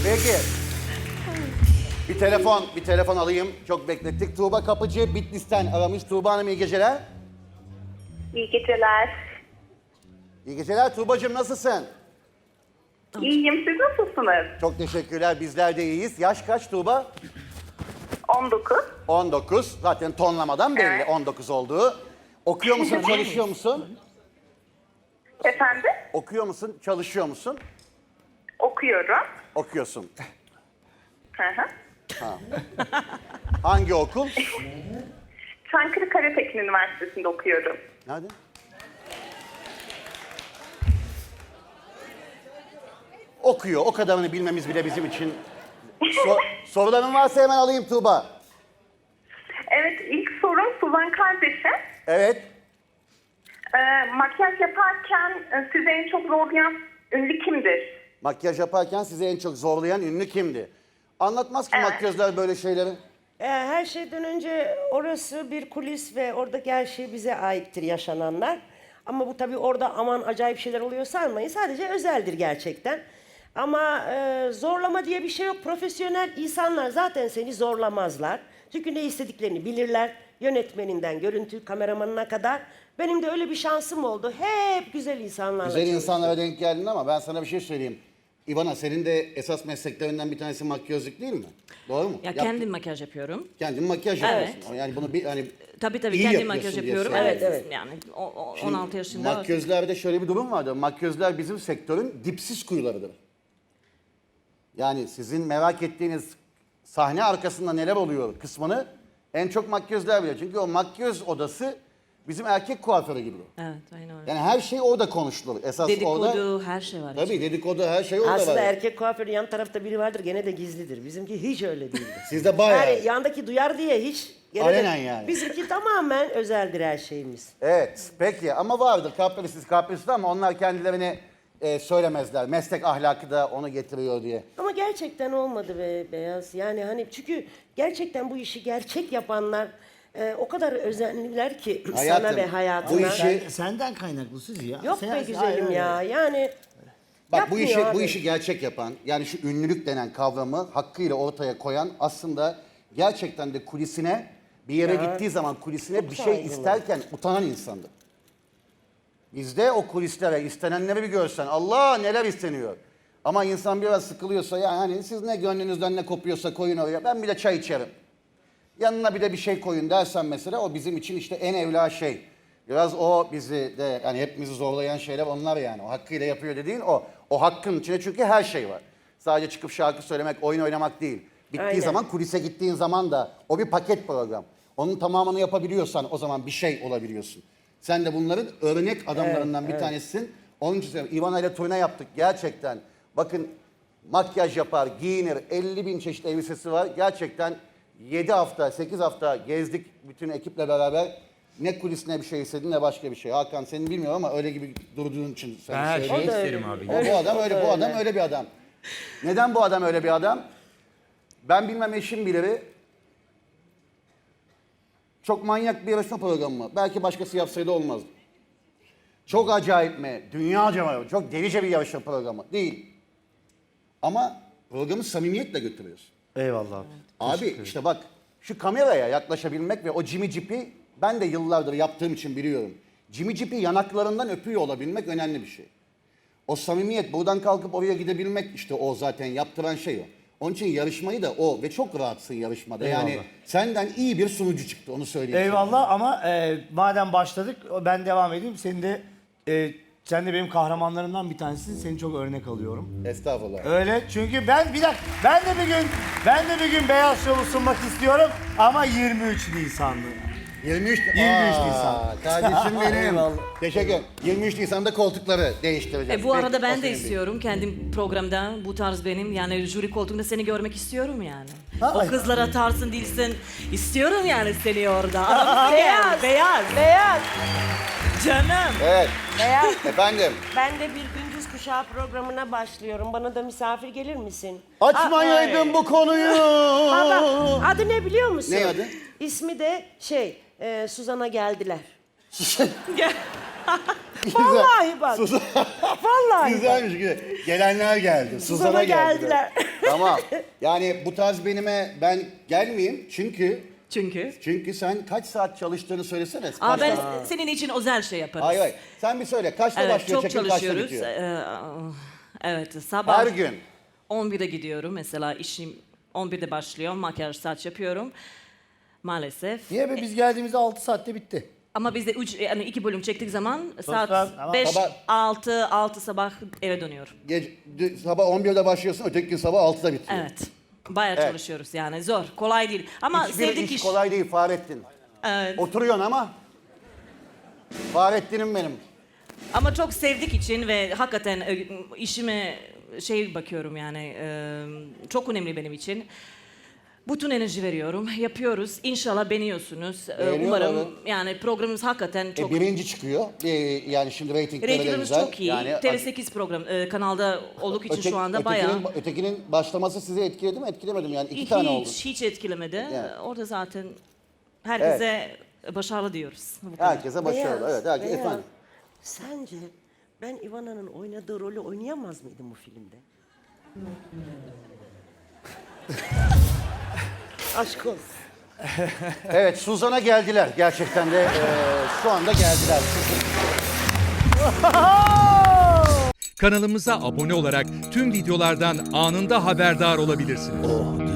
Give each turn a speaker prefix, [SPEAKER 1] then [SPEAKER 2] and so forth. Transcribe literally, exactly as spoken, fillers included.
[SPEAKER 1] Peki. Bir telefon, bir telefon alayım. Çok beklettik. Tuğba Kapıcı Bitlis'ten aramış. Tuğba Hanım iyi geceler.
[SPEAKER 2] İyi geceler.
[SPEAKER 1] İyi geceler Tuğbacığım, nasılsın?
[SPEAKER 2] İyiyim. Siz nasılsınız?
[SPEAKER 1] Çok teşekkürler, bizler de iyiyiz. Yaş kaç Tuğba?
[SPEAKER 2] on dokuz.
[SPEAKER 1] on dokuz. Zaten tonlamadan belli
[SPEAKER 2] Evet.
[SPEAKER 1] on dokuz olduğu. Okuyor musun, çalışıyor musun?
[SPEAKER 2] Efendim?
[SPEAKER 1] Okuyor musun, çalışıyor musun?
[SPEAKER 2] Okuyorum.
[SPEAKER 1] Okuyorsun.
[SPEAKER 2] Hı hı.
[SPEAKER 1] Hangi okul?
[SPEAKER 2] Çankırı Karatekin Üniversitesi'nde okuyorum.
[SPEAKER 1] Nerede? Okuyor. O kadarını bilmemiz bile bizim için. So soruların varsa hemen alayım Tuğba.
[SPEAKER 2] Evet, ilk sorum Suzan kardeşim.
[SPEAKER 1] Evet.
[SPEAKER 2] Ee, makyaj yaparken e, sizi en çok zorlayan ünlü kimdir?
[SPEAKER 1] Makyaj yaparken sizi en çok zorlayan ünlü kimdi? Anlatmaz ki
[SPEAKER 2] Evet.
[SPEAKER 1] makyözler böyle şeyleri.
[SPEAKER 3] Ee, Her şeyden önce orası bir kulis ve oradaki her şey bize aittir, yaşananlar. Ama bu tabii orada aman acayip şeyler oluyor sanmayın. Sadece özeldir gerçekten. Ama e, zorlama diye bir şey yok. Profesyonel insanlar zaten seni zorlamazlar. Çünkü ne istediklerini bilirler. Yönetmeninden görüntü kameramanına kadar. Benim de öyle bir şansım oldu. Hep güzel insanlarla
[SPEAKER 1] Güzel
[SPEAKER 3] çalıştım.
[SPEAKER 1] insanlara denk geldin ama ben sana bir şey söyleyeyim. İvana, senin de esas mesleklerinden bir tanesi makyözlük değil mi? Doğru mu?
[SPEAKER 4] Ya
[SPEAKER 1] Yaptın-
[SPEAKER 4] kendim makyaj yapıyorum.
[SPEAKER 1] Kendin makyaj
[SPEAKER 4] Evet.
[SPEAKER 1] yapıyorsun. Yani bunu bir hani
[SPEAKER 4] Tabii tabii
[SPEAKER 1] iyi
[SPEAKER 4] kendim
[SPEAKER 1] yapıyorsun
[SPEAKER 4] makyaj
[SPEAKER 1] diye
[SPEAKER 4] yapıyorum.
[SPEAKER 1] söylüyorum.
[SPEAKER 4] Evet,
[SPEAKER 3] Evet, evet.
[SPEAKER 4] yani o, o,
[SPEAKER 1] Şimdi
[SPEAKER 4] on altı yaşında.
[SPEAKER 1] Makyözlerde şöyle bir durum vardır. Makyözler bizim sektörün dipsiz kuyularıdır. Yani sizin merak ettiğiniz sahne arkasında neler oluyor kısmını en çok makyözler bilir. Çünkü o makyöz odası bizim erkek kuaförü gibi.
[SPEAKER 4] Evet, aynen öyle.
[SPEAKER 1] Yani her şey orada konuşulur. Esas
[SPEAKER 4] Dedikodu,
[SPEAKER 1] orada.
[SPEAKER 4] her şey var.
[SPEAKER 1] Tabii dedikodu, her şey orada
[SPEAKER 3] Aslında
[SPEAKER 1] var.
[SPEAKER 3] erkek kuaförü yan tarafta biri vardır, gene de gizlidir. Bizimki hiç öyle değildir.
[SPEAKER 1] Sizde bayağı.
[SPEAKER 3] Yani yandaki duyar diye hiç... gene de-
[SPEAKER 1] Alenen yani.
[SPEAKER 3] Bizimki tamamen özeldir her şeyimiz.
[SPEAKER 1] Evet, peki ama vardır kaprisiz kaprisiz ama onlar kendilerini e, söylemezler. Meslek ahlakı da onu getiriyor diye.
[SPEAKER 3] Ama gerçekten olmadı be Beyaz. Yani hani çünkü gerçekten bu işi gerçek yapanlar e, o kadar özenliler ki
[SPEAKER 1] Hayatım,
[SPEAKER 3] sana ve hayatına.
[SPEAKER 1] bu işi-
[SPEAKER 5] Sen- senden kaynaklı Suzi ya.
[SPEAKER 3] Yok
[SPEAKER 5] Sen-
[SPEAKER 3] be güzelim
[SPEAKER 5] Hayır,
[SPEAKER 3] ya. Yani
[SPEAKER 1] Bak bu işi
[SPEAKER 3] yapmıyor
[SPEAKER 1] bu
[SPEAKER 3] abi.
[SPEAKER 1] işi gerçek yapan, yani şu ünlülük denen kavramı hakkıyla ortaya koyan aslında gerçekten de kulisine bir yere
[SPEAKER 3] Ya,
[SPEAKER 1] gittiği zaman kulisine
[SPEAKER 3] çok
[SPEAKER 1] bir şey
[SPEAKER 3] saygılı.
[SPEAKER 1] isterken utanan insandır. Bizde o kulislere istenenleri bir görsen Allah neler isteniyor. Ama insan biraz sıkılıyorsa yani hani siz ne gönlünüzden ne kopuyorsa koyun oraya, ben bir de çay içerim. Yanına bir de bir şey koyun dersen mesela o bizim için işte en evla şey. Biraz o bizi de yani hepimizi zorlayan şeyler onlar yani. O hakkıyla yapıyor dediğin o. O hakkın içinde çünkü her şey var. Sadece çıkıp şarkı söylemek, oyun oynamak değil. Bittiği
[SPEAKER 3] Aynen.
[SPEAKER 1] zaman kulise gittiğin zaman da o bir paket program. Onun tamamını yapabiliyorsan o zaman bir şey olabiliyorsun. Sen de bunların örnek adamlarından bir tanesisin. Onun için söylüyorum. Ivana ile turne yaptık gerçekten. Bakın makyaj yapar, giyinir, elli bin çeşit elbisesi var. Gerçekten yedi hafta, sekiz hafta gezdik bütün ekiple beraber. Ne kulisine bir şey istedin ne başka bir şey. Hakan seni bilmiyorum ama öyle gibi durduğun için
[SPEAKER 5] Ben
[SPEAKER 1] sen
[SPEAKER 5] her şeyi
[SPEAKER 1] söylüyorum.
[SPEAKER 5] isterim abi.
[SPEAKER 1] O, bu adam öyle, bu adam öyle bir adam. Neden bu adam öyle bir adam? Ben bilmem eşim bilir. Çok manyak bir yarışma programı mı? Belki başkası yapsaydı olmazdı. Çok acayip mi? Dünyaca mı? Çok delice bir yarışma programı. Değil. Ama programı samimiyetle götürüyorsun.
[SPEAKER 5] Eyvallah abi.
[SPEAKER 1] Abi işte bak şu kameraya yaklaşabilmek ve o Jimmy Jeep'i ben de yıllardır yaptığım için biliyorum. Jimmy Jeep'i yanaklarından öpüyor olabilmek önemli bir şey. O samimiyet buradan kalkıp oraya gidebilmek işte o zaten yaptıran şey o. Onun için yarışmayı da o ve çok rahatsın yarışmada. Yani
[SPEAKER 5] Eyvallah.
[SPEAKER 1] senden iyi bir sunucu çıktı onu söyleyeyim.
[SPEAKER 5] Eyvallah ama e, madem başladık ben devam edeyim. Seni de e, sen de benim kahramanlarımdan bir tanesisin. Seni çok örnek alıyorum.
[SPEAKER 1] sana. Estağfurullah.
[SPEAKER 5] Öyle çünkü ben bir dakika ben de bir gün ben de bir gün Beyaz Şov'u sunmak istiyorum ama yirmi üç Nisan'da.
[SPEAKER 1] yirmi üç,
[SPEAKER 5] yirmi üç
[SPEAKER 1] Aa,
[SPEAKER 5] Nisan.
[SPEAKER 1] Kardeşim benim.
[SPEAKER 5] Eyvallah.
[SPEAKER 1] Teşekkür. yirmi üç Nisan'da koltukları değiştireceğiz.
[SPEAKER 4] E, bu arada
[SPEAKER 1] Peki, o
[SPEAKER 4] ben de
[SPEAKER 1] senin
[SPEAKER 4] istiyorum kendim programda bu tarz benim yani jüri koltuğunda seni görmek istiyorum yani.
[SPEAKER 5] Ha,
[SPEAKER 4] o
[SPEAKER 5] ay.
[SPEAKER 4] kızlara tarzın değilsin. İstiyorum yani seni orada. Aramızda gel. Beyaz.
[SPEAKER 3] Beyaz.
[SPEAKER 4] Canım.
[SPEAKER 1] Evet.
[SPEAKER 3] Beyaz.
[SPEAKER 1] Efendim.
[SPEAKER 3] Ben de bir gündüz kuşağı programına başlıyorum. Bana da misafir gelir misin?
[SPEAKER 1] Açmayaydın bu konuyu.
[SPEAKER 3] Baba, adı ne biliyor musun?
[SPEAKER 1] Ne adı?
[SPEAKER 3] İsmi de şey, e, Suzan'a geldiler.
[SPEAKER 4] Gel.
[SPEAKER 3] Vallahi bak.
[SPEAKER 1] Suzan.
[SPEAKER 3] Vallahi bak.
[SPEAKER 1] Güzelmiş. güzel. Gelenler geldi. Suzan'a
[SPEAKER 3] Suzan'a
[SPEAKER 1] geldiler.
[SPEAKER 3] geldiler.
[SPEAKER 1] Tamam. Yani bu tarz benime ben gelmeyeyim çünkü
[SPEAKER 4] Çünkü.
[SPEAKER 1] çünkü sen kaç saat çalıştığını söylesene. Kaç
[SPEAKER 4] Aa, ben
[SPEAKER 1] saat-
[SPEAKER 4] senin için özel şey yaparız.
[SPEAKER 1] Hayır hayır. Sen bir söyle. Kaçta
[SPEAKER 4] Evet,
[SPEAKER 1] başlıyor
[SPEAKER 4] çok
[SPEAKER 1] çekim, kaçta
[SPEAKER 4] çalışıyoruz.
[SPEAKER 1] bitiyor?
[SPEAKER 4] Ee, evet, sabah
[SPEAKER 1] Her gün.
[SPEAKER 4] on birde gidiyorum. Mesela işim on birde başlıyor. Makyaj, saç yapıyorum. Maalesef.
[SPEAKER 5] Niye be biz geldiğimizde altı saatte bitti.
[SPEAKER 4] Ama biz de üç, yani iki bölüm çektik zaman saat
[SPEAKER 5] saat, ama
[SPEAKER 4] beş,
[SPEAKER 1] sabah-
[SPEAKER 4] altı, altı sabah eve dönüyorum.
[SPEAKER 1] Gece, d- sabah on birde başlıyorsun, öteki gün sabah altıda bitiyor.
[SPEAKER 4] Evet. Bayağı
[SPEAKER 1] Evet.
[SPEAKER 4] çalışıyoruz yani. Zor, kolay değil. Ama
[SPEAKER 1] Hiçbir
[SPEAKER 4] sevdik
[SPEAKER 1] iş
[SPEAKER 4] iş.
[SPEAKER 1] kolay değil Fahrettin.
[SPEAKER 4] Evet.
[SPEAKER 1] Oturuyorsun ama Fahrettin'im benim.
[SPEAKER 4] Ama çok sevdik için ve hakikaten e, işime şey bakıyorum yani e, çok önemli benim için. Bütün enerji veriyorum, yapıyoruz. İnşallah beğeniyorsunuz. E,
[SPEAKER 1] Beğeniyorlar,
[SPEAKER 4] Umarım
[SPEAKER 1] evet.
[SPEAKER 4] yani programımız hakikaten çok...
[SPEAKER 1] E, birinci çıkıyor. E, yani şimdi reytingleri de
[SPEAKER 4] Reytinglerimiz
[SPEAKER 1] güzel.
[SPEAKER 4] çok iyi.
[SPEAKER 1] Yani,
[SPEAKER 4] T V sekiz program e, kanalda olduk için
[SPEAKER 1] öte-
[SPEAKER 4] şu anda
[SPEAKER 1] ötekinin,
[SPEAKER 4] bayağı...
[SPEAKER 1] Ötekinin başlaması sizi etkiledi mi? Etkilemedim yani. iki tane oldu.
[SPEAKER 4] Hiç, hiç etkilemedi.
[SPEAKER 1] Yani.
[SPEAKER 4] Orada zaten herkese başarılı diyoruz. Bu kadar.
[SPEAKER 1] Herkese başarılı.
[SPEAKER 3] Beyaz,
[SPEAKER 1] Evet, herkes
[SPEAKER 3] Beyaz,
[SPEAKER 1] efendim.
[SPEAKER 3] Sence ben Ivana'nın oynadığı rolü oynayamaz mıydım bu filmde? Aşk olsun.
[SPEAKER 1] Evet, Suzan'a geldiler. Gerçekten de e, şu anda geldiler.
[SPEAKER 6] Kanalımıza abone olarak tüm videolardan anında haberdar olabilirsiniz.